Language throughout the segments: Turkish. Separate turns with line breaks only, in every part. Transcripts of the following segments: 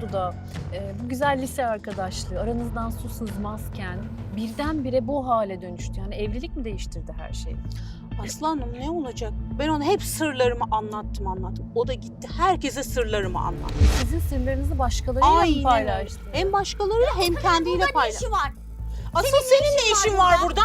oldu da bu güzel lise arkadaşlığı aranızdan su sızmazken birdenbire bu hale dönüştü. Yani evlilik mi değiştirdi her şeyi?
Aslanım ne olacak? Ben ona hep sırlarımı anlattım. O da gitti herkese sırlarımı anlattı.
Sizin sırlarınızı başkalarıyla mı paylaştı?
Hem başkalarıyla hem kendiyle paylaştı.
var.
Asıl senin ne işin var burada?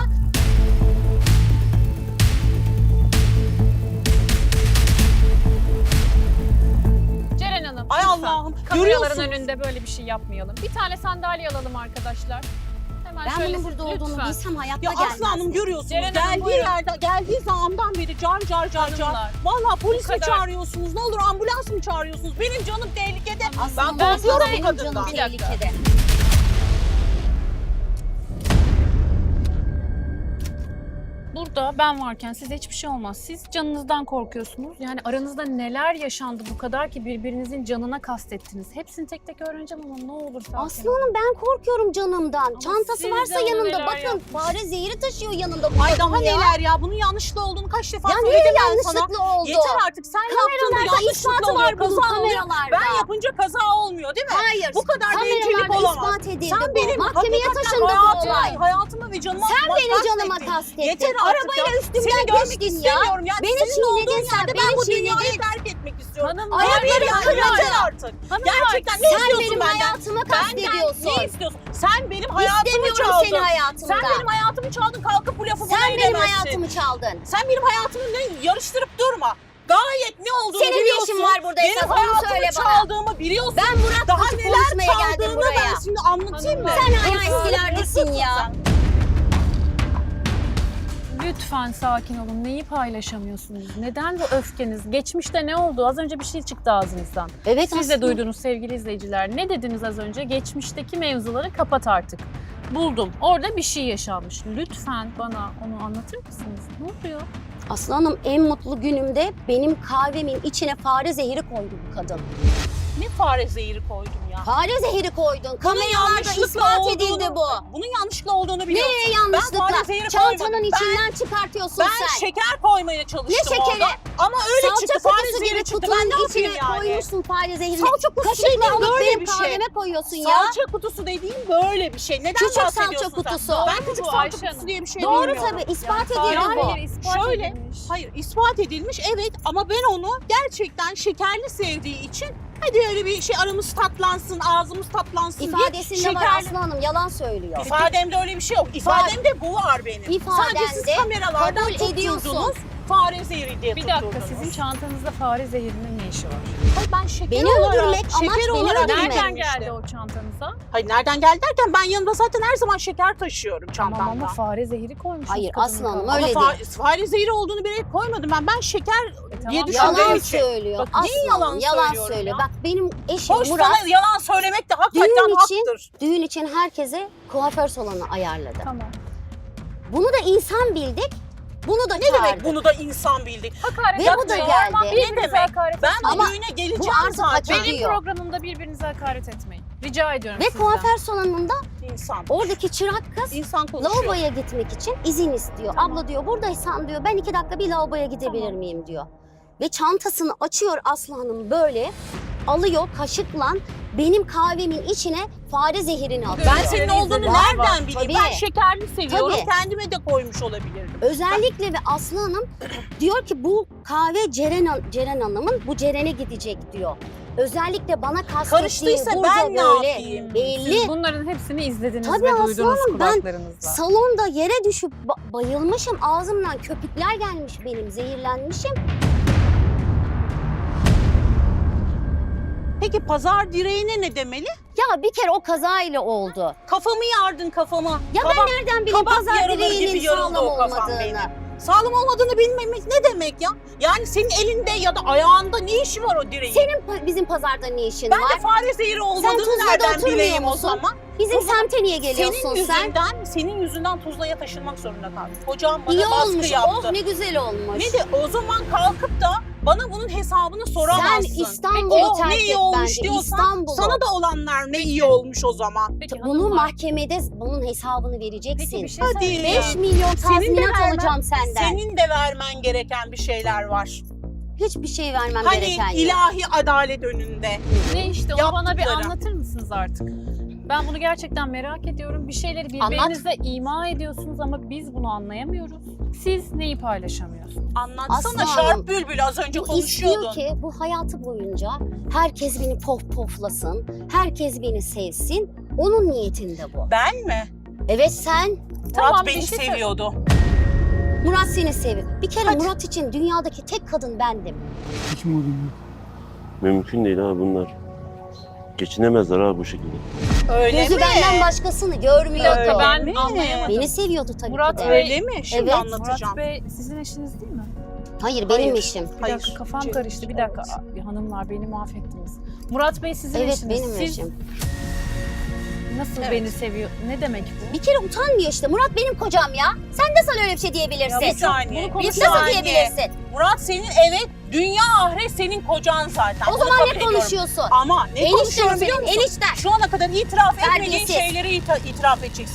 Ceren Hanım,
Ay
lütfen.
Allah'ım,
Kameraların
görüyorsunuz.
önünde böyle bir şey yapmayalım. Bir tane sandalye alalım arkadaşlar. Hemen
Ben
şöyle
bunun burada olduğunu
lütfen.
bilsem hayatta
Ya
gelmezdim.
Aslanım görüyorsunuz
Ceren Hanım, buyurun.
geldiği zamandan beri car.
Hanımlar,
Vallahi polis
bu
mi
kadar.
çağırıyorsunuz? Ne olur ambulans mı çağırıyorsunuz? Benim canım tehlikede.
Aslanım,
Ben korkuyorum
benim
bu kadından.
canım
Bir dakika.
tehlikede.
Burada ben varken size hiçbir şey olmaz. Siz canınızdan korkuyorsunuz. Yani aranızda neler yaşandı bu kadar ki birbirinizin canına kastettiniz. Hepsini tek tek öğreneceğim ama ne olur sakin olun.
Aslanım ben korkuyorum canımdan.
Ama
Çantası
siz
varsa
de ona
yanında.
neler
Bakın
yapmışsınız.
fare zehri taşıyor yanında bu
Ay daha
kadın ya.
neler ya? Bunun yanlışlı olduğunu kaç defa
Ya
söyledim
niye
ben sana.
yanlışlıkla oldu?
Yeter artık sen yaptığında
Kameralarda
yanlışlıkla
ispatı
oluyor.
var bunun
Kaza oluyor.
kameralarda.
Ben yapınca kaza olmuyor değil mi?
Hayır.
Bu kadar bencillik
Kameralarda
olamaz.
ispat edildi
Sen
bu.
benim
Mahkemeye
hakikaten
taşındı bu olay.
hayatımı ve canıma
Sen benim canıma
kastettin.
kastettin.
Yeter artık
Arabayla
ya.
üstümden
Seni görmek
geçtin ya.
istemiyorum ya.
Beni
Senin olduğun
çiğnedin sen,
yerde
beni
ben bu dünyayı
çiğnedin.
terk etmek istiyorum.
Hanımlar,
Hayır yani
kırıldı.
yeter artık.
Hanımlar,
Gerçekten ne
Sen
istiyorsun
benim
benden?
hayatıma kastediyorsun.
Benden ne istiyorsun? Sen benim hayatımı
İstemiyorum
çaldın.
seni hayatımda.
Sen benim hayatımı çaldın, kalkıp bu lafı bana
Sen benim
edemezsin.
hayatımı çaldın.
Sen benim hayatımı yarıştırıp durma. Gayet ne olduğunu
Senin ne
biliyorsun.
işin var burada
Benim
esas, onu
hayatımı
söyle bana.
çaldığımı biliyorsun.
Ben Murat
Daha
Kutu
neler
konuşmaya geldim
çaldığını
buraya.
ben şimdi anlatayım mı?
Hanımlar.
Sen hala eskilerdesin ya.
lütfen sakin olun. Neyi paylaşamıyorsunuz? Neden bu öfkeniz? Geçmişte ne oldu? Az önce bir şey çıktı ağzınızdan.
Evet
Siz de
aslında.
duydunuz sevgili izleyiciler. Ne dediniz az önce? Geçmişteki mevzuları kapat artık. Buldum. Orada bir şey yaşanmış. Lütfen bana onu anlatır mısınız? Ne oluyor?
Aslanım en mutlu günümde benim kahvemin içine fare zehri koydu bu kadın.
Ne fare zehri koydum ya.
Fare zehri koydun.
Bunun
Kameralarda
yanlışlıkla
ispat
olduğunu-
edildi bu.
Bunun yanlışlıkla olduğunu biliyorsun.
Nereye
Ben
yanlışlıkla?
fare zehri
Çantanın
koymadım.
içinden çıkartıyorsun
Ben
sen.
şeker koymaya çalıştım
Ne şekeri?
orada. Ama öyle
Salça
çıktı. Fare
kutusu
zehri
gibi
çıktı.
kutunun
Ben ne yapayım
içine
yani?
koymuşsun fare zehrini.
Salça kutusu
Kaşıkla
dediğin
alıp
böyle
benim
bir şey.
kahveme koyuyorsun ya.
Salça kutusu dediğim böyle bir şey. Neden
Küçük salça
bahsediyorsun sen?
kutusu.
Ben
Doğru
küçük
bu
salça
Ayşe
kutusu
Hanım.
diye bir şey
Doğru
bilmiyorum.
tabii ispat
Hayır,
edildi bu.
hayır, ispat
Şöyle,
edilmiş.
Hayır ispat edilmiş evet ama ben onu gerçekten şekerli sevdiği için hadi öyle bir şey aramız tatlansın, ağzımız tatlansın
İfadesinde
diye
var
şekerli...
Aslı Hanım yalan söylüyor.
İfademde öyle bir şey yok. İfademde bu var benim.
İfadende
Sadece siz kameralardan
kabul ediyorsun.
tutturdunuz. Fare zehri diye
Bir dakika,
tutturdunuz.
sizin çantanızda fare zehrinin ne işi var?
Hayır ben şeker
Beni
olarak,
öldürmek, amaç
şeker
beni
olarak
öldürmek.
Nereden
getirmiştim.
geldi o çantanıza?
Hayır nereden geldi derken ben yanımda zaten her zaman şeker taşıyorum
Tamam
çantamda.
ama fare zehri koymuşsunuz.
Hayır,
kadının
Aslı Hanım,
kahvesine.
öyle
Ama
değil.
fare zehri olduğunu bilerek koymadım ben. Ben şeker diye
tamam,
düşündüğüm
Yalan
için.
söylüyor.
Bak,
Aslı
niye
Hanım,
yalan
yalan
söylüyorum
söylüyor.
ya?
Bak benim eşim
Hoş
Murat
sana yalan söylemek de hakikaten haktır.
düğün için herkese kuaför salonu ayarladı.
Tamam.
Bunu da insan bildik. Bunu da
Ne
çağırdık.
demek bunu da insan bildik?
Hakaret
Ve bu da
etmeyin.
geldi.
Normal,
Ne
birbirinize
demek?
hakaret
Ben
etmeyin.
bu
Ama
düğüne
bu
geleceğim
artık
zaten.
hak ediyor.
Benim programımda birbirinize hakaret etmeyin. Rica ediyorum
Ve
sizden.
kuaför salonunda
İnsan.
oradaki çırak kız
İnsan konuşuyor.
lavaboya gitmek için izin istiyor.
Tamam.
Abla diyor buradaysan diyor ben 2 dakika bir lavaboya gidebilir
Tamam.
miyim diyor. Ve çantasını açıyor Aslı Hanım böyle alıyor kaşıkla benim kahvemin içine fare zehrini atıyor.
Ben senin olduğunu
Var,
nereden
var.
bileyim?
Tabii.
Ben şekerli seviyorum.
Tabii.
Kendime de koymuş olabilirdim.
Özellikle ve Aslı Hanım diyor ki bu kahve Ceren Hanım'ın bu Ceren'e gidecek diyor. Özellikle bana kastettiği
Karıştıysa
burada
ben ne
böyle
yapayım?
belli.
Siz bunların hepsini izlediniz
Tabii
ve
Aslı
duydunuz
Hanım, ben
kulaklarınızla.
Salonda yere düşüp bayılmışım. Ağzımdan köpükler gelmiş benim. Zehirlenmişim.
Peki pazar direğine ne demeli?
Ya bir kere o kazayla oldu.
Kafamı yardın kafama.
Ya ben nereden bileyim
kabak
pazar
yarılır gibi
direğinin
yarıldı
sağlam
o kafam
olmadığını.
benim. Sağlam olmadığını bilmemek ne demek ya? Yani senin elinde ya da ayağında ne işi var o direğin?
Senin bizim pazarda ne işin
Ben
var?
de fare zehri olmadığını
Tuzla'da
nereden
oturmuyor
bileyim o
musun?
zaman?
Bizim
O zaman
semte niye geliyorsun
Senin yüzünden Tuzla'ya taşınmak zorunda kaldım. Hocam bana
İyi
baskı
olmuş.
yaptı.
Oh ne güzel olmuş.
Ne de o zaman kalkıp da bana bunun hesabını soramazsın.
Sen İstanbul'u
Oh
terk
ne
et
iyi olmuş
bence.
diyorsan
İstanbul'u.
sana da olanlar ne iyi olmuş o zaman.
Peki
Bunu
hanımlar,
mahkemede bunun hesabını vereceksin.
Peki bir şey
Hadi.
söyleyeceğim.
5 milyon
Senin de
tazminat
vermen-
alacağım senden.
Senin de vermen gereken bir şeyler var.
Hiçbir şey vermem
Hani
gereken yok.
ilahi adalet önünde.
Ne işte onu bana bir
Yaptıkları.
anlatır mısınız artık? Ben bunu gerçekten merak ediyorum. Bir şeyleri birbirinize ima ediyorsunuz ama biz bunu anlayamıyoruz. Siz neyi paylaşamıyorsunuz?
Anlatsana
Aslı
Şarp
Hanım,
Bülbül, az önce
Bu
konuşuyordun.
istiyor ki bu hayatı boyunca herkes beni poflasın, herkes beni sevsin. Onun niyetinde bu.
Ben mi?
Evet sen,
Murat
Tamam,
beni
bir şey
seviyordu.
Murat seni seviyor. Bir kere
Hadi.
Murat için dünyadaki tek kadın bendim.
Hiç umudum yok.
Mümkün değil ha bunlar. Geçinemezler ha bu şekilde.
Öyle
Gözü
mi?
benden başkasını
Bir
görmüyordu.
dakika ben
mi?
anlayamadım.
Beni seviyordu tabii
Murat
ki de.
Bey-
Öyle mi? Şimdi
Evet.
anlatacağım.
Murat Bey sizin eşiniz değil mi?
Hayır benim
Hayır.
eşim.
Bir
Hayır.
dakika kafam
Cem-
karıştı. Bir dakika hanımlar beni mahvettiniz. Murat Bey sizin
Evet
eşiniz.
benim
Siz
eşim.
nasıl
Evet.
beni seviyor? Ne demek bu?
Bir kere utanmıyor işte. Murat benim kocam ya. Sen de sana öyle bir şey diyebilirsin.
Bir saniye.
Bunu
Bir
Nasıl
saniye.
diyebilirsin?
Murat senin, evet, dünya ahiret senin kocan zaten.
O
Bunu
zaman
kabul
ne
ediyorum.
konuşuyorsun?
Ama ne
Enişten
konuşuyorum biliyor
senin,
musun?
enişten.
Şu ana kadar itiraf etmediğin
Terbiyesiz.
şeyleri itiraf edeceksin.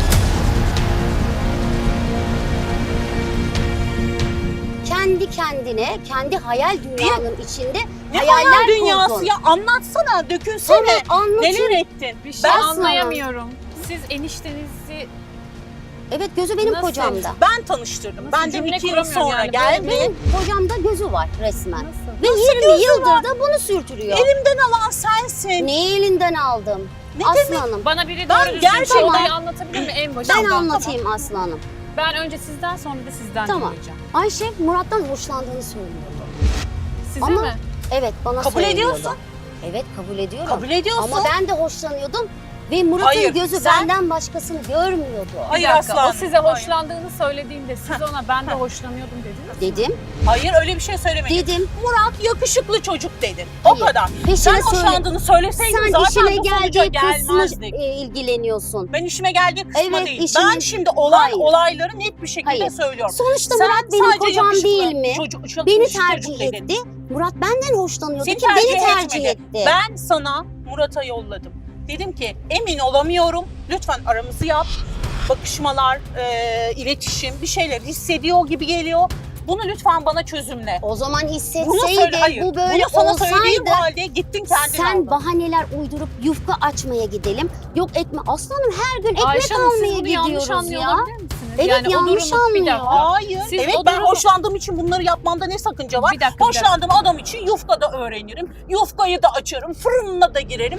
Kendi kendine, kendi hayal dünyanın içinde
Ne
hayaller
hayal dünyası
kurdun.
ya, anlatsana, dökünsene.
Evet anlatayım.
Neler ettin?
Bir şey
Ben
anlayamıyorum. Siz eniştenizi
Evet gözü benim
Nasıl?
kocamda.
Ben tanıştırdım.
Nasıl
Ben de
cümle
2 yıl
kuramıyorum
sonra
yani,
geldi.
Benim kocamda gözü var resmen.
nasıl?
Ve 20 yıldır da bunu sürtürüyor.
Elimden alan sensin.
Ne elinden aldım?
Ne
Aslanım.
Bana biri
Ben
doğru düzgün
gerçekten-
olayı anlatabilir mi en başından?
Ben anlatayım aslanım.
Ben önce sizden sonra da sizden
Tamam.
dinleyeceğim.
Ayşe Murat'tan hoşlandığını söylüyordu.
Size
Ama-
mi?
Evet bana
Kabul
söylüyordu.
ediyorsun.
Evet kabul ediyorum.
Kabul ediyorsun.
Ama ben de hoşlanıyordum. Ve Murat'ın
Hayır,
gözü
sen-
benden başkasını görmüyordu.
Hayır
Bir dakika,
aslanım.
o size
Hayır.
hoşlandığını söylediğinde siz ona ben de hoşlanıyordum dediniz.
Dedim,
Hayır, öyle bir şey söylemedim.
dedim.
Murat yakışıklı çocuk dedin. O
Hayır.
kadar.
Peşine
Sen
söyle.
hoşlandığını söyleseydin
Sen
zaten
işine
bu sonuca
geldiği kısmı
gelmezdik.
ilgileniyorsun.
Ben işime geldiği kısma
Evet,
değil.
işine-
Ben şimdi
Hayır.
olayları net bir şekilde
Hayır.
söylüyorum.
Sonuçta
Sen
Murat benim
sadece
kocam
yakışıklı
değil mi?
Çocuk,
Beni
çocuk
tercih
dedin.
etti. Murat benden hoşlanıyordu
Seni
ki beni
tercih
tercih
etmedi.
etti.
Ben sana Murat'a yolladım. Dedim ki emin olamıyorum. Lütfen aramızı yap. Bakışmalar, iletişim, bir şeyler hissediyor gibi geliyor. Bunu lütfen bana çözümle.
O zaman
Bunu söyle,
hissetseydi
hayır.
bu böyle
Bunu sana söylediğim
olsaydı
halde gittin kendin
sen
aldın.
bahaneler uydurup yufka açmaya gidelim. Yok ekme. Aslanım her gün ekmek
Ayşe Hanım
almaya
siz bunu yanlış
gidiyoruz
anlıyor
ya.
olabilir misiniz?
Evet,
yani
yanlış
o durumu bir
anlıyor.
dakika.
Hayır.
Siz
evet
o
ben
durumu-
hoşlandığım için bunları yapmamda ne sakınca var?
Bir dakika, bir dakika.
Hoşlandığım adam için yufka da öğrenirim. Yufkayı da açarım. Fırınına da girerim.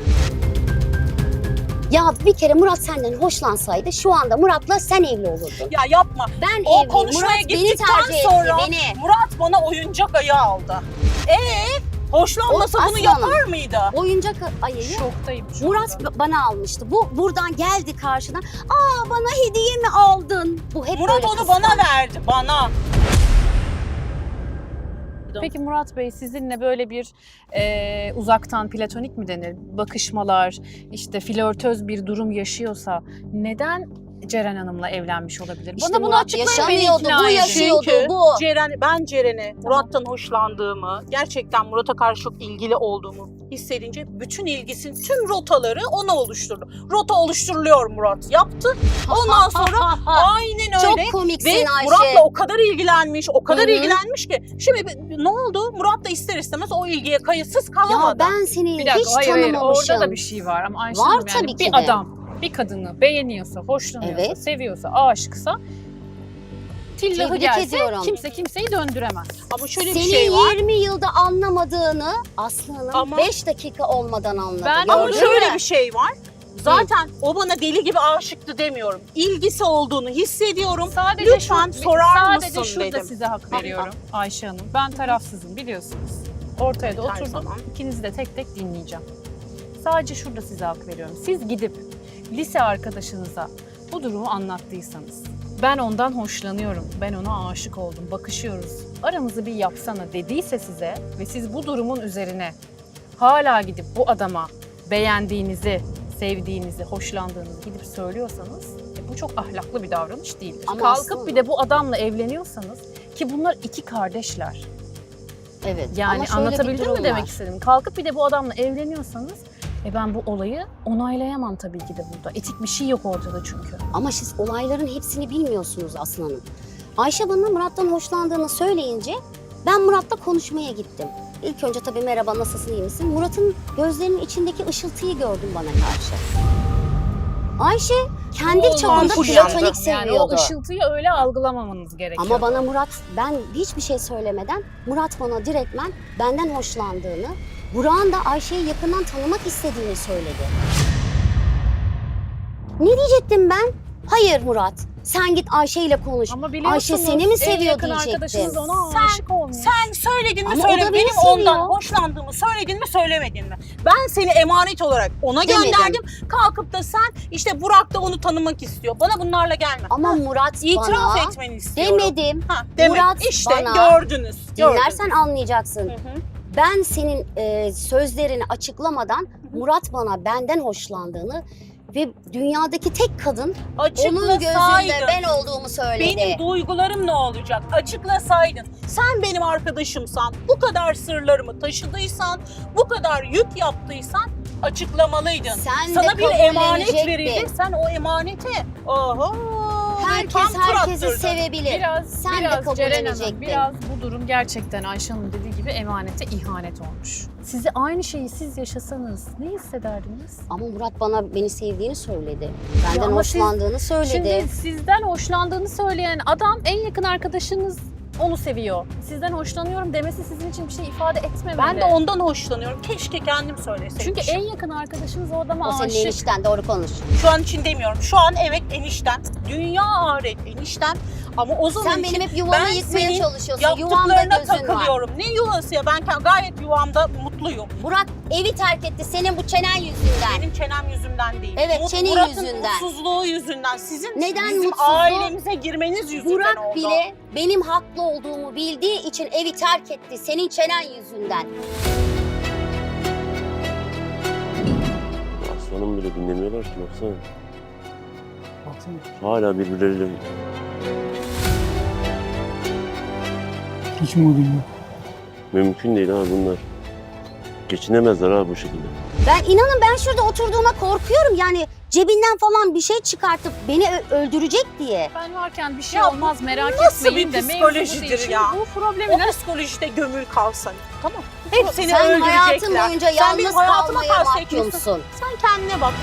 Ya bir kere Murat senden hoşlansaydı şu anda Murat'la sen evli olurdun.
Ya yapma.
Ben
O
evliyim.
konuşmaya
Murat beni
gittikten
tercih
sonra
etti beni.
Murat bana oyuncak ayağı aldı. Hoşlanmasa
O
bunu
aslanım.
yapar mıydı?
Oyuncak ayıyı
Şoktayım. şokta.
Murat bana almıştı. Bu buradan geldi karşına. Aa bana hediye mi aldın? Bu hep
Murat
böyle
onu
kıskanç.
bana verdi. Bana.
Peki Murat Bey sizinle böyle bir uzaktan platonik mi denir? Bakışmalar, işte flörtöz bir durum yaşıyorsa neden Ceren Hanım'la evlenmiş olabilir?
İşte
Bana bunu
Murat
açıklayın, beni
yaşamıyordu,
ikna
bu
edin.
yaşıyordu.
Çünkü
bu.
ben Ceren'e Murat'tan hoşlandığımı, gerçekten Murat'a karşı çok ilgili olduğumu hissedince bütün ilgisinin tüm rotaları ona oluşturdu. Rota oluşturuluyor Murat yaptı. Ondan sonra aynen öyle.
Çok komiksin
Ve
Ayşe.
Murat'la o kadar ilgilenmiş, o kadar
Hı hı.
ilgilenmiş ki. Şimdi ne oldu? Murat da ister istemez o ilgiye kayıtsız
Ya
kalamadı.
ben seni
Bir dakika,
hiç
hayır,
tanımamışım.
orada da bir şey var ama Ayşe
Var
Hanım yani
tabii ki
bir
de.
adam bir kadını beğeniyorsa, hoşlanıyorsa,
Evet.
seviyorsa, aşıksa tillahı
Tebrik
gelse
ediyorum.
kimse kimseyi döndüremez.
Ama şöyle
Senin
bir şey var.
20 yılda anlamadığını Aslı'nın
Ama-
5 dakika olmadan anladı.
Ben-
Ama
Gördün
şöyle
mü?
bir şey var. Zaten o bana deli gibi aşıktı demiyorum. İlgisi olduğunu hissediyorum.
Sadece
Lütfen sorar
sadece
mısın
şurada
dedim.
size hak veriyorum Ayşe Hanım. Ben tarafsızım biliyorsunuz. Ortaya da
Her
oturdum.
zaman.
İkinizi de tek tek dinleyeceğim. Sadece şurada size hak veriyorum. Siz gidip lise arkadaşınıza bu durumu anlattıysanız, ben ondan hoşlanıyorum, ben ona aşık oldum, bakışıyoruz, aramızı bir yapsana dediyse size ve siz bu durumun üzerine hala gidip bu adama beğendiğinizi, sevdiğinizi, hoşlandığınızı gidip söylüyorsanız bu çok ahlaklı bir davranış değildir.
Ama
Kalkıp
aslında-
bir de bu adamla evleniyorsanız ki bunlar iki kardeşler.
Evet.
Yani
ama şöyle bir
anlatabildim
durum
mi demek
var.
istedim? Kalkıp bir de bu adamla evleniyorsanız ben bu olayı onaylayamam tabii ki de burada. Etik bir şey yok ortada çünkü.
Ama siz olayların hepsini bilmiyorsunuz Aslı Hanım. Ayşe bana Murat'tan hoşlandığını söyleyince Ben Murat'la konuşmaya gittim. İlk önce tabii merhaba, nasılsın, iyi misin? Murat'ın gözlerinin içindeki ışıltıyı gördüm bana karşı. Ayşe kendi
O
çapında
ampul
platonik
yandı.
Yani o
seviyordu.
ışıltıyı öyle algılamamanız gerekiyor.
Ama bana Murat, ben hiçbir şey söylemeden Murat bana direktmen benden hoşlandığını, Burak'ın da Ayşe'yi yakından tanımak istediğini söyledi. Ne diyecektim ben? Hayır Murat, sen git Ayşe ile konuş.
Ama biliyorsunuz
Ayşe seni mi
en
seviyor
yakın
diyecektim.
arkadaşınız ona
Sen-
aşık olmuş.
Sen söyledin mi
Ama o da
söylemedin mi?
beni
Benim
seviyor.
ondan hoşlandığımı söyledin mi söylemedin mi? Ben seni emanet olarak ona
Demedim.
gönderdim. Kalkıp da sen işte Burak da onu tanımak istiyor. Bana bunlarla gelme.
Ama Murat
İtiraf
bana
etmeni istiyorum.
demedim.
Ha, demek
Murat
işte
bana-
gördünüz.
Dinlersen anlayacaksın.
Hı hı.
Ben senin sözlerini açıklamadan Murat bana benden hoşlandığını ve dünyadaki tek kadın onun gözünde
Açıklasaydın.
ben olduğumu söyledi.
Benim duygularım ne olacak? Açıklasaydın. Sen benim arkadaşımsan, bu kadar sırlarımı taşıdıysan, bu kadar yük yaptıysan açıklamalıydın.
Sen de
Sana bir emanet
kabullenecektin.
verildi. Sen o emanete oho
Herkes
tam tur
herkesi
attırdın.
sevebilir.
Biraz,
Sen de
Ceren Hanım,
kabullenecektin.
biraz bu durum gerçekten Ayşe'nin dediği gibi emanete ihanet olmuş. Sizi aynı şeyi siz yaşasanız ne hissederdiniz?
Ama Murat beni sevdiğini söyledi.
Ya
Benden
ama siz-
hoşlandığını söyledi.
Şimdi sizden hoşlandığını söyleyen adam en yakın arkadaşınız onu seviyor. Sizden hoşlanıyorum demesi sizin için bir şey ifade etmemeli.
Ben de ondan hoşlanıyorum. Keşke kendim söyleseydim.
Çünkü en yakın arkadaşınız o adama
O senin
aşık.
enişten, doğru konuş.
Şu an için demiyorum. Şu an evet enişten. Dünya ahiret enişten. Ama o zaman
Sen
için
benim hep yuvamı
ben
yıkmaya
senin
çalışıyorsun. Yuvamda
yaptıklarına
gözün var.
takılıyorum. Ne yuvası ya? Ben gayet yuvamda mutluyum.
Burak evi terk etti senin bu çenen yüzünden.
Benim çenem yüzünden değil.
Evet, çenin
Murat'ın
yüzünden.
mutsuzluğu yüzünden. Sizin
Neden
bizim
mutsuzluğu?
ailemize girmeniz yüzünden
Burak
oldu.
bile benim haklı olduğumu bildiği için evi terk etti senin çenen yüzünden.
Aslanım bile dinlemiyorlar ki baksana.
Baksana.
Hala birbirleriyle
Hiç umudum yok.
mümkün değil abi bunlar. Geçinemezler abi bu şekilde.
Ben şurada oturduğuma korkuyorum yani cebinden falan bir şey çıkartıp beni öldürecek diye.
Ben varken bir şey
Ya
olmaz merak
nasıl
etmeyin
bir
de mevzusu
psikolojidir
için
ya?
bu problemi
O psikolojide gömül kalsan. Tamam. Hep seni
Sen
öldürecekler.
hayatın boyunca
Sen benim
yalnız
hayatıma
kalmaya
karşı ekliyorsun.
mahkumsun.
Sen kendine bak.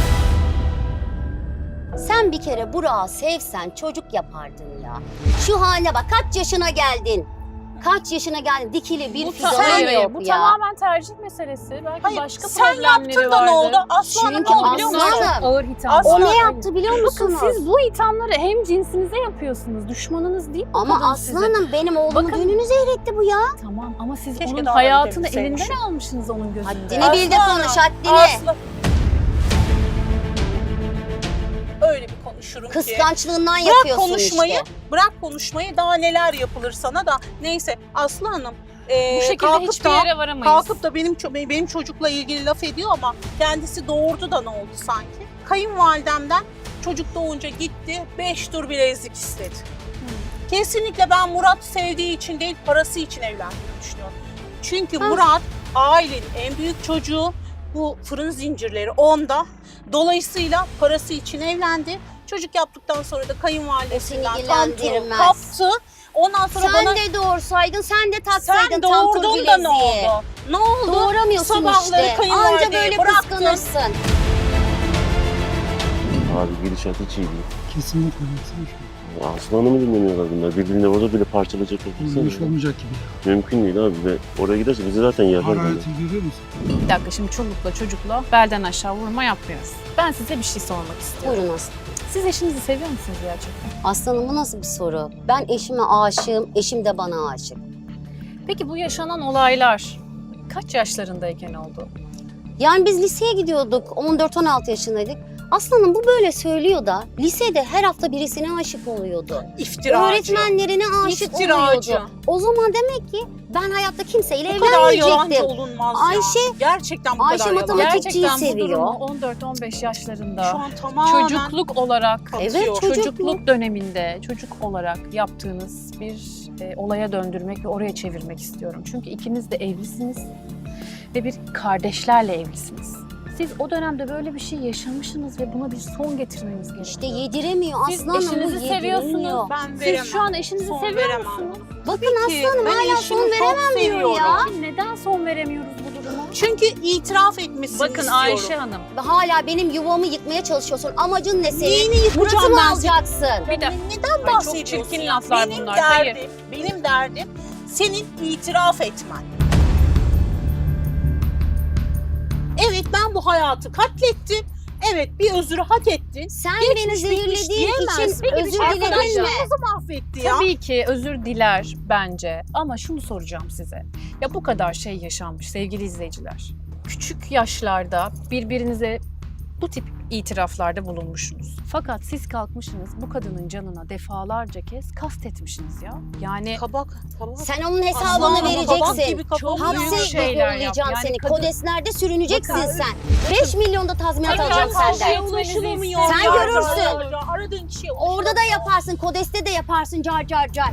Sen bir kere Burak'ı sevsen çocuk yapardın ya. Şu haline bak, kaç yaşına geldin? Kaç yaşına geldin? Dikili bir
bu,
fidanın
hayır,
yok
bu
ya.
tamamen tercih meselesi. Belki
Hayır,
başka
sen
problemleri
yaptın da ne
şey
vardır.
oldu? Aslanım
Çünkü
ne oldu biliyor musun?
aslanım-
Çok ağır hitap.
Aslan-
O ne
Hayır.
yaptı biliyor
Bakın
musunuz?
siz bu ithamları hem cinsinize yapıyorsunuz. Düşmanınız değil bu
Ama
kadın size.
aslanım benim oğlumun
Bakın-
düğününü zehretti bu ya.
Tamam ama siz
Keşke
onun
daha
hayatını
önce
elinden
bilseymişim.
almışsınız onun gözünde.
Haddini bil de
Aslanım,
konuş, haddini.
Aslı. Öyle bir konuşurum ki.
Kıskançlığından
Bırak
yapıyorsun
konuşmayı,
işte.
bırak konuşmayı daha neler yapılır sana da. Neyse Aslı Hanım.
Bu şekilde
kalkıp
hiçbir
da-
yere varamayız.
Kalkıp da benim çocukla ilgili laf ediyor ama kendisi doğurdu da ne oldu sanki? Kayınvalidemden çocuk doğunca gitti 5 tur bilezik istedi. Kesinlikle ben Murat sevdiği için değil parası için evlendiğini düşünüyorum. Çünkü Murat ailenin en büyük çocuğu, bu fırın zincirleri onda. Dolayısıyla parası için evlendi. Çocuk yaptıktan sonra da kayınvalidesinden
O seni
tam tur
ilgilendirmez.
kaptı. Ondan sonra
Sen
bana
de doğursaydın, sen de taksaydın
sen
tam tur
doğurdun
bileziği.
da ne oldu? Ne oldu?
Doğuramıyorsun
Sabahları
işte.
kayınvalideyi
Anca böyle
bıraktın.
kıskanırsın.
Abi gidişat hiç iyi değil.
Kesinlikle baksana şu.
Aslanı mı dinlemiyorlar bunlar? Birbirini orada bile parçalayacaklar.
Böyle bir şey
baksana.
olmayacak gibi.
Mümkün değil abi ve oraya giderse bizi zaten yerler böyle.
Harareti görüyor musun?
Bir dakika şimdi çolukla çocukla belden aşağı vurma yapmıyoruz. Ben size bir şey sormak istiyorum.
Buyurun Aslı.
Siz eşinizi seviyor musunuz gerçekten?
Aslanım bu nasıl bir soru? Ben eşime aşığım, eşim de bana aşık.
Peki bu yaşanan olaylar kaç yaşlarındayken oldu?
Yani biz liseye gidiyorduk, 14-16 yaşındaydık. Aslanım bu böyle söylüyor da lisede her hafta birisine aşık oluyordu.
İftiracı.
Öğretmenlerine aşık
İftiracı.
oluyordu. O zaman demek ki ben hayatta kimseyle
Bu kadar yalancı
evlenmeyecektim.
olunmaz
Ayşe-
ya. Gerçekten bu
Ayşe
kadar yalancı.
matematikçiyi
Gerçekten bu
seviyor.
durumu 14-15 yaşlarında
Şu an tamamen
çocukluk olarak
Evet,
atıyor.
çocukluk döneminde çocuk olarak yaptığınız bir olaya döndürmek ve oraya çevirmek istiyorum. Çünkü ikiniz de evlisiniz ve bir kardeşlerle evlisiniz. Siz o dönemde böyle bir şey yaşamışsınız ve buna bir son getirmeniz gerekiyor.
İşte yediremiyor
Siz
aslanım, bu
eşinizi
yediremiyor.
seviyorsunuz.
Ben
Siz
veremem.
şu an eşinizi
Son
seviyor
veremem.
musunuz?
Bakın
ki.
aslanım
Ben
hala
eşimi
son
çok
veremem diyor
seviyorum.
ya.
Neden son veremiyoruz bu duruma?
Çünkü itiraf etmesini
Bakın
istiyorum.
Ayşe Hanım.
Hala benim yuvamı yıkmaya çalışıyorsun. Amacın ne senin?
Neyini yıkacağım
Murat'ı mı
ben
alacaksın?
Bir de
Neden
Ay, çok
bahsediyorsun?
çirkin
ya?
laflar
benim
bunlar,
derdim, benim derdim senin itiraf etmen. Evet, ben bu hayatı katlettim. Evet, bir özür hak ettin.
Sen
Geçmiş
beni
bitmiş
zehirlediğin
diyemezsin.
için
Peki,
özür
arkadaşlar,
diledin mi?
Nasıl mahvetti ya?
tabii ki özür diler bence. Ama şunu soracağım size. Ya bu kadar şey yaşanmış sevgili izleyiciler. Küçük yaşlarda birbirinize bu tip itiraflarda bulunmuşsunuz. Fakat siz kalkmışsınız bu kadının canına defalarca kez kastetmişsiniz ya. Yani
Kabak.
Sen onun
Aslan
hesabını
ama kabak
vereceksin.
gibi kafamı
Çok büyük
Hapse
şeyler yap.
yollayacağım
Yani
seni.
kadın-
Kodeslerde sürüneceksin
Bakın-
sen. 5 milyon da tazminat
Bakın-
alacağım
Bakın-
senden.
Bakın-
ulaşılamıyor.
Sen
Ya,
görürsün.
ya, aradığın kişiye
Orada da yaparsın, kodeste de yaparsın car car car.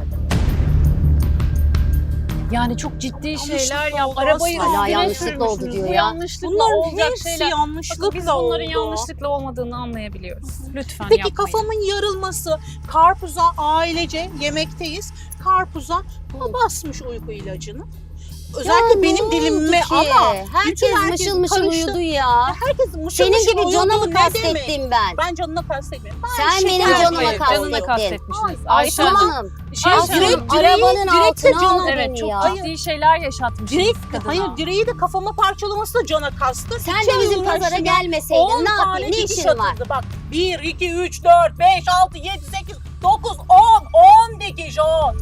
Yani çok ciddi şeyler
Yanlışlıkla
yap.
oldu
Arabayı
aslında.
Hala
üstüne
yanlışlıkla oldu
sürmüşsünüz.
diyor
Bu
ya.
yanlışlıkla
Bunların
olacak
hepsi
şeyler.
yanlışlıkla
Bakın biz bunların
oldu.
yanlışlıkla olmadığını anlayabiliyoruz. Lütfen
Peki
yapmayın.
kafamın yarılması, karpuza ailece yemekteyiz. Karpuza basmış uyku ilacını. Özellikle
Ya
benim
ne
dilimime
oldu ki?
ama
Herkes
herkes
mışıl mışıl
karıştı.
uyudu ya.
herkes mışıl
Senin
mışıl
gibi canımı
uyudu. Ne demek?
kastettim ben.
Ben canına kastetmiyorum.
Sen benim
şeker
canıma
koydum.
kastettin.
Canına kastetmişsiniz.
Ay,
Ayşe
Aslan
Hanım.
Aslanım.
Şey
Aslanım
söyleyeyim.
arabanın
direkt de
altına
canım-
aldı
Evet
beni
çok
ya.
ciddi şeyler yaşatmışsınız
Direkt,
kadına.
hayır direği de kafama parçalaması da cana kastı.
Sen de bizim pazara gelmeseydin
10
ne
tane
yapayım? Ne
dikiş
işin var?
atıldı. Bak 1, 2, 3, 4, 5, 6, 7, 8, 9, 10 dikiş 10.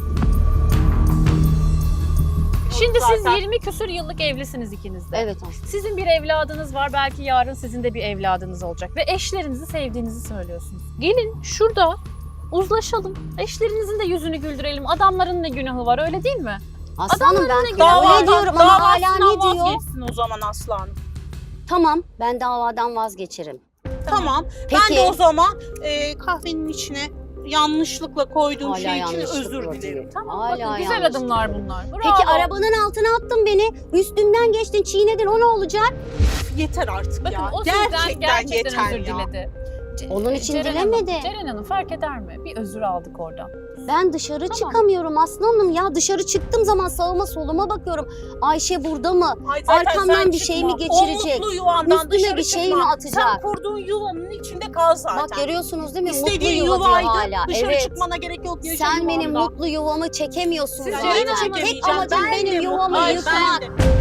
Şimdi siz
Zaten-
20 küsür yıllık evlisiniz ikiniz de.
Evet aslında.
Sizin bir evladınız var. Belki yarın sizin de bir evladınız olacak. Ve eşlerinizi sevdiğinizi söylüyorsunuz. Gelin şurada uzlaşalım. Eşlerinizin de yüzünü güldürelim. Adamların ne günahı var öyle değil mi?
Aslanım ben öyle
Davadan-
diyorum ama hala ne
davasından
diyor?
vazgeçsin o zaman Aslan.
Tamam ben davadan vazgeçerim.
Tamam.
Peki.
Ben de o zaman kahvenin içine yanlışlıkla koyduğum
Hala
şey için
yanlışlıkla
özür
diyor.
dilerim.
Tamam
Hala
bakın güzel
yanlış.
adımlar bunlar. Bravo.
Peki arabanın altına attın beni. Üstümden geçtin, çiğnedin. O ne olacak?
Yeter artık
Bakın
ya.
o sizden gerçekten
yeter
özür
ya.
diledi.
Onun için
Ceren
dilemedi.
Hanım, Ceren Hanım fark eder mi? Bir özür aldık oradan.
Ben dışarı
Tamam.
çıkamıyorum aslanım ya. Dışarı çıktığım zaman sağıma soluma bakıyorum. Ayşe burada mı?
Ay zaten
Arkamdan
sen
bir şey
çıkma.
mi geçirecek?
O mutlu yuvandan
Üstüme
dışarı
bir şey
çıkma.
mi atacak?
Sen kurduğun yuvanın içinde kal zaten.
Bak görüyorsunuz değil mi?
İstediğin
mutlu yuva diyor
yuvaydı.
hala.
Dışarı
Evet.
çıkmana gerek yok. Yaşa
Sen benim
yuvanda.
mutlu yuvamı çekemiyorsun
Siz
zaten.
Ceren
Seni
Hanım'ı
Tek
çekemeyeceğim.
amacın
Ben de
benim yuvamı
Ay,
yıkmak.
ben de.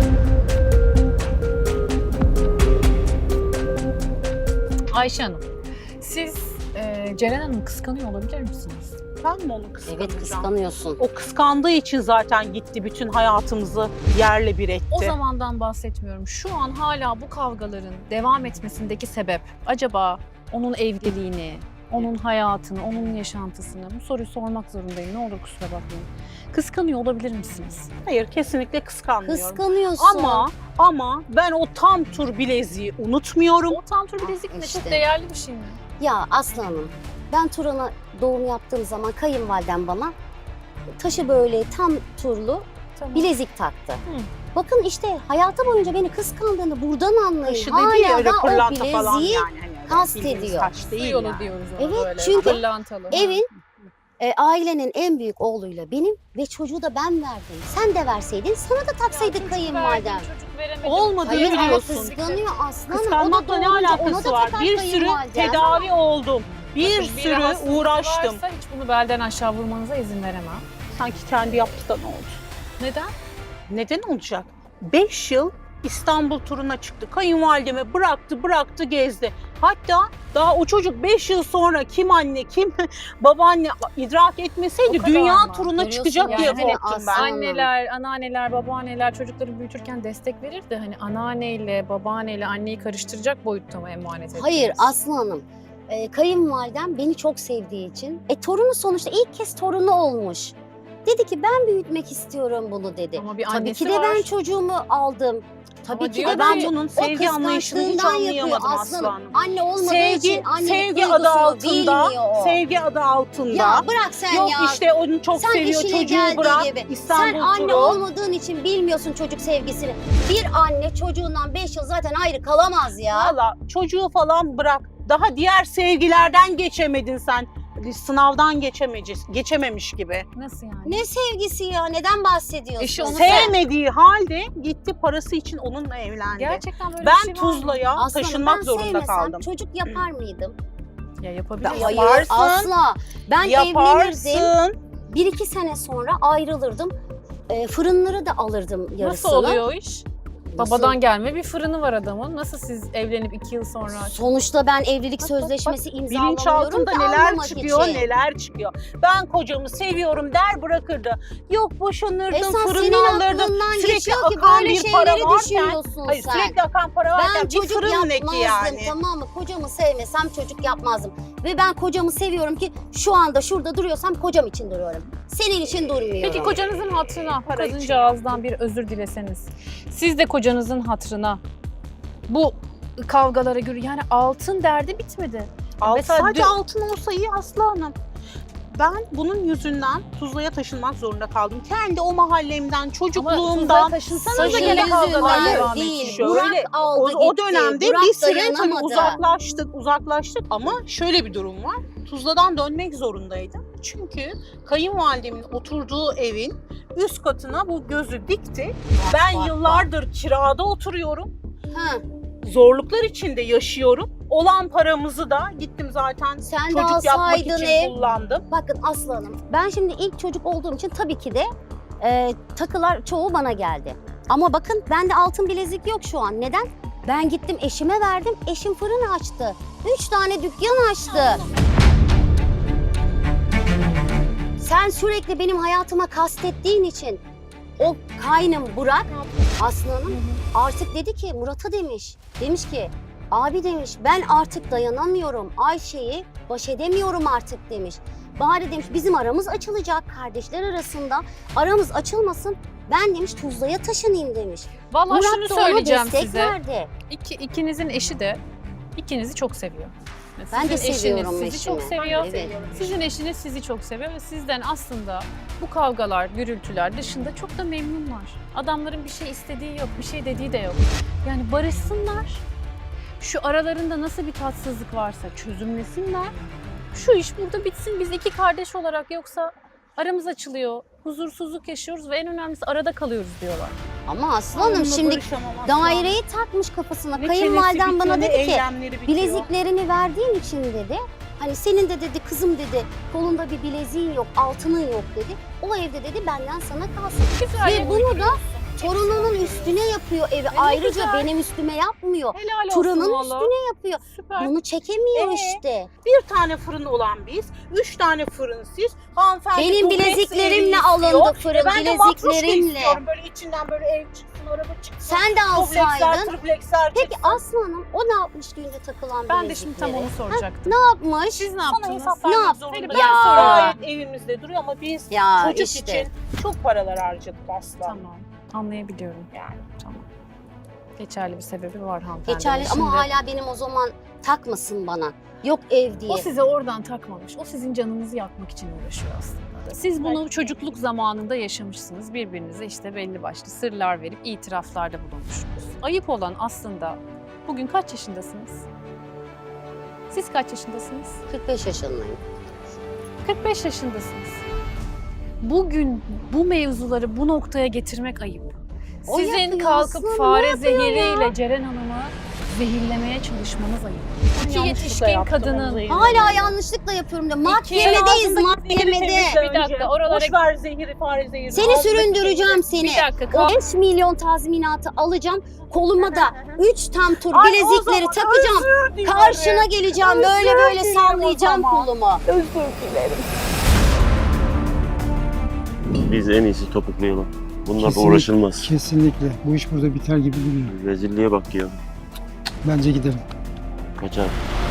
Ayşe Hanım, siz Ceren Hanım'ı kıskanıyor olabilir misiniz?
Ben mi onu kıskanacağım?
Evet kıskanıyorsun.
O kıskandığı için zaten gitti bütün hayatımızı yerle bir etti.
O zamandan bahsetmiyorum. Şu an hala bu kavgaların devam etmesindeki sebep acaba onun evliliğini, onun hayatını, onun yaşantısını? Bu soruyu sormak zorundayım. Ne olur kusura bakmayın. Kıskanıyor olabilir misiniz?
Hayır, kesinlikle kıskanmıyorum.
Kıskanıyorsun.
Ama ben o tam tur bileziği unutmuyorum.
O tam tur bilezik ne?
işte.
Çok değerli bir şey mi?
Ya aslanım ben Turan'a doğum yaptığım zaman kayınvalidem bana taşı böyle tam turlu
Tamam.
bilezik taktı. Bakın işte hayatı boyunca beni kıskandığını buradan anlayın.
Taşı dediği
Hala
öyle
da o
pırlanta falan
bileziği
yani. Hani öyle
kastediyor.
bildiğimiz taş
Su
değil
yolu
yani.
diyoruz ona
Evet,
böyle.
çünkü
Pırlantalı.
evin ailenin en büyük oğluyla benim ve çocuğu da ben verdim. Sen de verseydin sana da taksaydık kayınvalidem.
Çocuk veremedim.
Olmadı
Hayır ama
biliyorsun.
kıskanıyor aslanım.
Kıskanmakla ne alakası var? Bir sürü tedavi oldum. Bir
Bakın,
sürü
rahatsızlık
uğraştım.
varsa hiç bunu belden aşağı vurmanıza izin veremem.
Sanki kendi yaptı da ne oldu?
Neden?
Neden olacak? 5 yıl İstanbul turuna çıktı. Kayınvalideme bıraktı gezdi. Hatta daha o çocuk 5 yıl sonra kim anne kim babaanne idrak
O
etmeseydi
kadar
dünya
mı?
turuna
Görüyorsun
çıkacak
yani
diye
hani
korktum ben.
Aynen.
Anneler, anneanneler, babaanneler çocukları büyütürken destek verir de hani anneanneyle, babaanneyle anneyi karıştıracak boyutta mı emanet ettiniz?
Hayır Aslı Hanım. Kayınvalidem beni çok sevdiği için. Torunu sonuçta ilk kez torunu olmuş. Dedi ki ben büyütmek istiyorum bunu dedi.
Ama bir
Tabii
annesi
ki de ben
var.
çocuğumu aldım. Tabii
Ama
ki
diyor
de
Ben
ki,
bunun
o
sevgi anlayışını hiç
kıskançlığından yapıyor
anlayamadım
aslanım.
aslanım.
Anne olmadığı
Sevgi,
için annelik
sevgi adı
duygusunu
altında,
bilmiyor o.
sevgi adı altında.
Ya bırak sen
Yok
ya.
işte onu çok
Sen
seviyor
işine
çocuğu
geldiği
bırak.
gibi.
İstanbul
Sen anne
turu.
olmadığın için bilmiyorsun çocuk sevgisini. Bir anne çocuğundan 5 yıl zaten ayrı kalamaz ya.
Valla çocuğu falan bırak. Daha diğer sevgilerden geçemedin sen. sınavdan geçememiş gibi.
Nasıl yani?
Ne sevgisi ya? Neden bahsediyorsun?
Eşi onu
Sevmediği halde gitti parası için onunla evlendi.
Gerçekten böyle
Ben
bir şey var mı?
Tuzla'ya
Aslanım,
taşınmak
ben
zorunda
sevmesem
kaldım.
çocuk yapar mıydım?
Ya yapabiliriz.
Ben-
Hayır,
Yaparsın.
asla. Ben evlenirdim.
Yaparsın.
1-2 sene sonra ayrılırdım. Fırınları da alırdım yarısını.
Nasıl oluyor o iş?
Nasıl?
Babadan gelme bir fırını var adamın. Nasıl siz evlenip 2 yıl sonra...
Sonuçta ben evlilik
Bak,
sözleşmesi imzalamıyorum
Bilinçaltında
ki
neler
almamak
çıkıyor,
için.
neler çıkıyor. Ben kocamı seviyorum der bırakırdı. Yok boşanırdım,
Esas senin
fırını alırdım.
aklından
Sürekli
geçiyor ki
akan
böyle
bir para
şeyleri
varken,
düşünüyorsun
hayır,
sen.
sürekli akan para varken
Ben
bir
çocuk
fırın
yapmazdım,
neki yani.
tamam mı? Kocamı sevmesem çocuk yapmazdım. Ve ben kocamı seviyorum ki şu anda şurada duruyorsam kocam için duruyorum. Senin için durmuyorum.
Peki kocanızın hatırına bu
Para için.
kadıncağızdan bir özür dileseniz. Siz de kocanızın hatırına bu kavgalara göre yani altın derdi bitmedi. Mesela
Sadece
dün-
altın olsa iyi Aslı Hanım. Ben bunun yüzünden Tuzla'ya taşınmak zorunda kaldım. Kendi o mahallemden, çocukluğumdan.
taşınsanız
Saçın
da gene kavgalar
yüzünden
devam
değil.
edecek.
Şöyle,
Burak aldı
O
gitti.
dönemde
Burak
bir süre tabii
dayanamadı.
uzaklaştık ama şöyle bir durum var. Tuzla'dan dönmek zorundaydım. Çünkü kayınvalidemin oturduğu evin üst katına bu gözü dikti. Ben
bak,
yıllardır kirada oturuyorum.
Ha,
Zorluklar içinde yaşıyorum. Olan paramızı da gittim zaten
sen de
çocuk yapmak
alsaydın
için
ev.
kullandım.
Bakın Aslı Hanım, ben şimdi ilk çocuk olduğum için tabii ki de takılar çoğu bana geldi. Ama bakın bende altın bilezik yok şu an. Neden? Ben gittim eşime verdim, eşim fırın açtı. 3 tane dükkan açtı. Sen sürekli benim hayatıma kastettiğin için o kaynım Burak, Aslı Hanım artık dedi ki Murat'a demiş. Demiş ki abi demiş ben artık dayanamıyorum. Ayşe'yi baş edemiyorum artık demiş. Bari demiş bizim aramız açılacak kardeşler arasında. Aramız açılmasın. Ben demiş Tuzla'ya taşınayım demiş.
Vallahi şunu
Murat da ona
söyleyeceğim
destek
size.
verdi.
İkinizin eşi de ikinizi çok seviyor.
Ben de
Sizin
seviyorum
eşiniz sizi çok
eşimi.
seviyor.
Evet.
Sizin eşiniz sizi çok seviyor ve sizden aslında bu kavgalar, gürültüler dışında çok da memnunlar. Adamların bir şey istediği yok, bir şey dediği de yok. Yani barışsınlar. Şu aralarında nasıl bir tatsızlık varsa çözümlesinler. Şu iş burada bitsin. Biz iki kardeş olarak yoksa aramız açılıyor. Huzursuzluk yaşıyoruz ve en önemlisi arada kalıyoruz diyorlar.
Ama Aslı Hanım
Onunla
şimdi
barışamam Aslı Hanım.
daireyi takmış kafasına.
Ne
Kayınvaliden
çenesi
bana
bitiyor,
dedi
ne
ki
eylemleri bitiyor.
bileziklerini verdiğin için dedi. Hani senin de dedi kızım dedi kolunda bir bileziğin yok, altının yok dedi. O evde dedi benden sana kalsın.
Güzel
Ve
yere
bunu da
uyduruyorsun.
torununun üstüne yapıyor evi.
ne
Ayrıca
güzel.
benim üstüme yapmıyor.
Helal olsun
Turan'ın
valla.
üstüne yapıyor.
Süper.
Bunu çekemiyor işte.
Bir tane fırın olan biz, 3 tane fırın siz. Hanımefendi
Benim
dubleks
bileziklerimle
evi
alındı
istiyor.
fırın,
Ben de matruşka
bileziklerimle.
istiyorum. Böyle içinden böyle ev çıksın, araba çıksın.
Sen de
Dubleksler,
alsaydın.
tripleksler
Peki
çıksın.
Aslı Hanım o ne yapmış düğünde takılan
Ben de şimdi tam
bilezikleri?
onu soracaktım.
Ne yapmış?
Siz ne
Sana
yaptınız?
hesap
Ne
vermek
yap-
zorunda.
Ben
Ya.
sorayım.
Gayet evimizde duruyor ama biz
Ya
çocuk
işte.
için çok paralar harcadık aslında.
Tamam. Anlayabiliyorum.
Yani.
Tamam. Geçerli bir sebebi var hanımefendi.
Geçerli
Şimdi
ama hala benim o zaman takmasın bana. Yok ev diye.
o size oradan takmamış. O sizin canınızı yakmak için uğraşıyor aslında. Siz bunu çocukluk zamanında yaşamışsınız. Birbirinize işte belli başlı sırlar verip itiraflarda bulunmuşsunuz. Ayıp olan aslında bugün kaç yaşındasınız? Siz kaç yaşındasınız?
45 yaşındayım.
45 yaşındasınız. Bugün bu mevzuları bu noktaya getirmek ayıp.
O
Sizin
yapıyor
kalkıp
aslında,
fare
ne yapıyor
zehiriyle Ceren Hanım'ı zehirlemeye çalışmanız ayıp. İki
Yanlışlıkla
yetişkin
yaptım, onu
kadının
zehirledim.
Hala yanlışlıkla yapıyorum da mahkemedeyiz
Ağzındaki
mahkemede.
zehiri temizle
Bir dakika,
önce.
oralara-
Boş ver zehiri, fare zehiri.
Seni
Ağzındaki
süründüreceğim seni.
Bir dakika.
O 5 milyon tazminatı alacağım. Koluma da 3 tam tur bilezikleri takacağım.
Özür dilerim.
Karşına geleceğim. Böyle
Özür
böyle
dilerim
sallayacağım
o zaman.
kolumu.
Özür dilerim.
Biz en iyisi topuklayalım. Bunlarla
Kesinlikle.
uğraşılmaz.
Kesinlikle. Bu iş burada biter gibi duruyor.
Rezilliğe bak ya.
Bence gidelim.
Kaçar.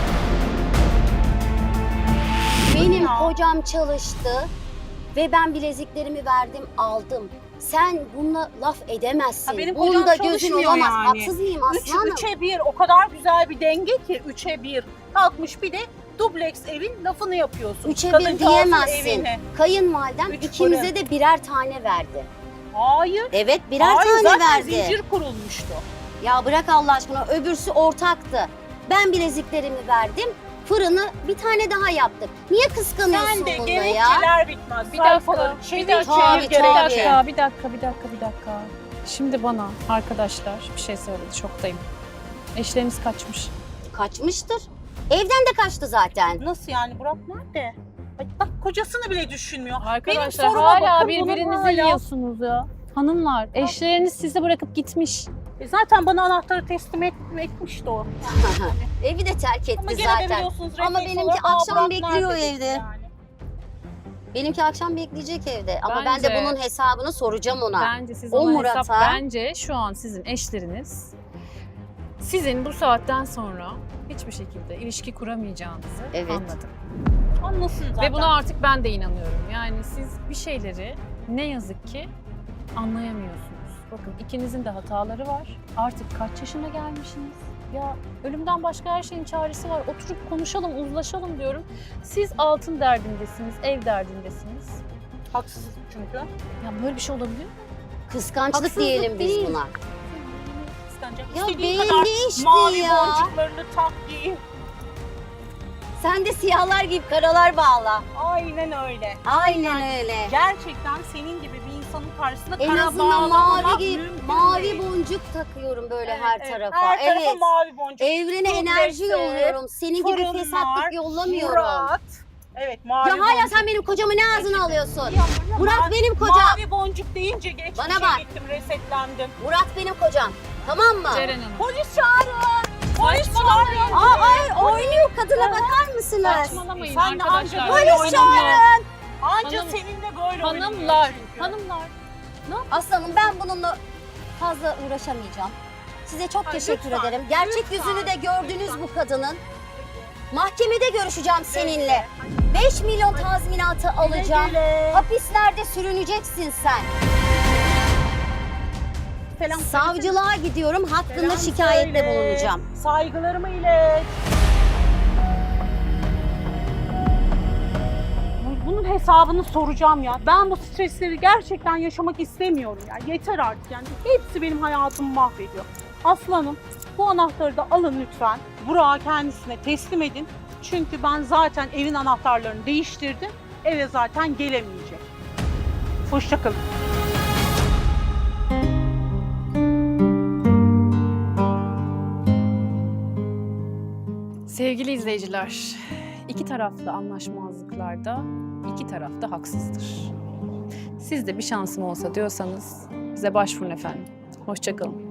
Benim
Ya.
kocam çalıştı ve ben bileziklerimi verdim aldım. Sen bununla laf edemezsin.
Ha, benim kocam
Bunda gözün
çalışmıyor
olamaz.
yani.
Haksız mıyım Aslı Hanım?
3'e 1 o kadar güzel bir denge ki 3'e 1. Kalkmış bir de dubleks evin lafını yapıyorsun.
3'e 1
Kadıncağızın
diyemezsin.
evini.
Kayınvalidem
3
ikimize
fırın.
de birer tane verdi.
Hayır.
Evet birer
Hayır,
tane
zaten
verdi.
zincir kurulmuştu.
Ya bırak Allah aşkına öbürsü ortaktı. Ben bileziklerimi verdim. fırını bir tane daha yaptık. Niye kıskanıyorsun
Sen de
bunda ya?
gerekçeler bitmez.
Bir dakika,
Şey
bir
değil,
dakika,
Tabii,
çevir
bir
tabii.
gerekçe.
dakika. Şimdi bana arkadaşlar bir şey söyledi, şoktayım. Eşleriniz kaçmış.
Kaçmıştır. Evden de kaçtı zaten.
Nasıl yani, Burak nerede? Ay, bak kocasını bile düşünmüyor.
Arkadaşlar
Benim soruma
hala
bakın,
birbirinizi
bunun hala-
yiyorsunuz ya. Hanımlar, eşleriniz sizi bırakıp gitmiş.
Zaten bana anahtarı teslim etmişti o.
Evi de terk etti
Ama gene de
zaten.
biliyorsunuz
Ama
refleks
benimki
olarak, "Aa,
akşam
Burak
bekliyor
nerede?"
evde.
yani.
Benimki akşam bekleyecek evde. Ama ben
Bence-
de bunun hesabını soracağım ona.
Bence siz
O
ona
Murat'a-
bence şu an sizin eşleriniz sizin bu saatten sonra hiçbir şekilde ilişki kuramayacağınızı
Evet.
anladım.
Anlasın zaten.
Ve buna artık ben de inanıyorum. Yani siz bir şeyleri ne yazık ki anlayamıyorsunuz. Bakın ikinizin de hataları var. Artık kaç yaşına gelmişsiniz? Ya ölümden başka her şeyin çaresi var. Oturup konuşalım, uzlaşalım diyorum. Siz altın derdindesiniz, ev derdindesiniz.
Haksız çünkü.
Ya böyle bir şey olabilir mi?
Kıskançlık
Haksızlık
diyelim biz
değil.
buna.
Kıskanacak.
Ya
İstediğin
belli
kadar
işte
mavi
ya.
boncuklarını tak giy.
Sen de siyahlar gibi karalar bağla.
Aynen öyle.
Aynen öyle.
Gerçekten senin gibi bir insanın karşısında
En
kara
azından
bağlamamak
mavi gibi,
mümkün
mavi
değil.
boncuk takıyorum böyle
Evet,
her
evet.
tarafa.
Her tarafa
Evet.
mavi boncuk.
Evrene
Dublesi,
enerji yolluyorum. Senin gibi
fırınlar,
fesatlık yollamıyorum.
Murat. Evet, mavi
Ya hala
boncuk.
sen benim kocamı ne ağzına alıyorsun?
Ya
Murat benim kocam.
Mavi boncuk deyince geçmişe
Bana bak.
gittim, resetlendim.
Murat benim kocam. Tamam mı?
Ceren Hanım.
Polis çağırın. Polis
Saçmalamayın.
çağırın.
Ay oynuyor kadına bakar mısınız?
Saçmalamayın
Sen de
arkadaşlar.
anca böyle
Polis çağırın.
Anca
Hanım-
seninle böyle oynanıyor
Hanımlar,
çünkü.
hanımlar.
Aslanım ben bununla fazla uğraşamayacağım. Size çok
Ay,
teşekkür
lütfen,
ederim. Gerçek
lütfen,
yüzünü de gördünüz
lütfen.
bu kadının. Mahkemede görüşeceğim seninle. 5 milyon tazminatı alacağım.
Güle.
Hapislerde sürüneceksin sen.
Selam
Savcılığa gidiyorum. Hakkında
Selam
şikayette
söyle.
bulunacağım.
Saygılarımı ilet. Bunun hesabını soracağım ya. Ben bu stresleri gerçekten yaşamak istemiyorum ya. Yeter artık yani. Hepsi benim hayatımı mahvediyor. Aslanım, bu anahtarı da alın lütfen. Burak'a kendisine teslim edin. Çünkü ben zaten evin anahtarlarını değiştirdim. Eve zaten gelemeyecek. Hoşça kalın.
Sevgili izleyiciler, iki taraflı anlaşmazlıklarda iki taraf da haksızdır. Siz de bir şansım olsa diyorsanız bize başvurun efendim. Hoşça kalın.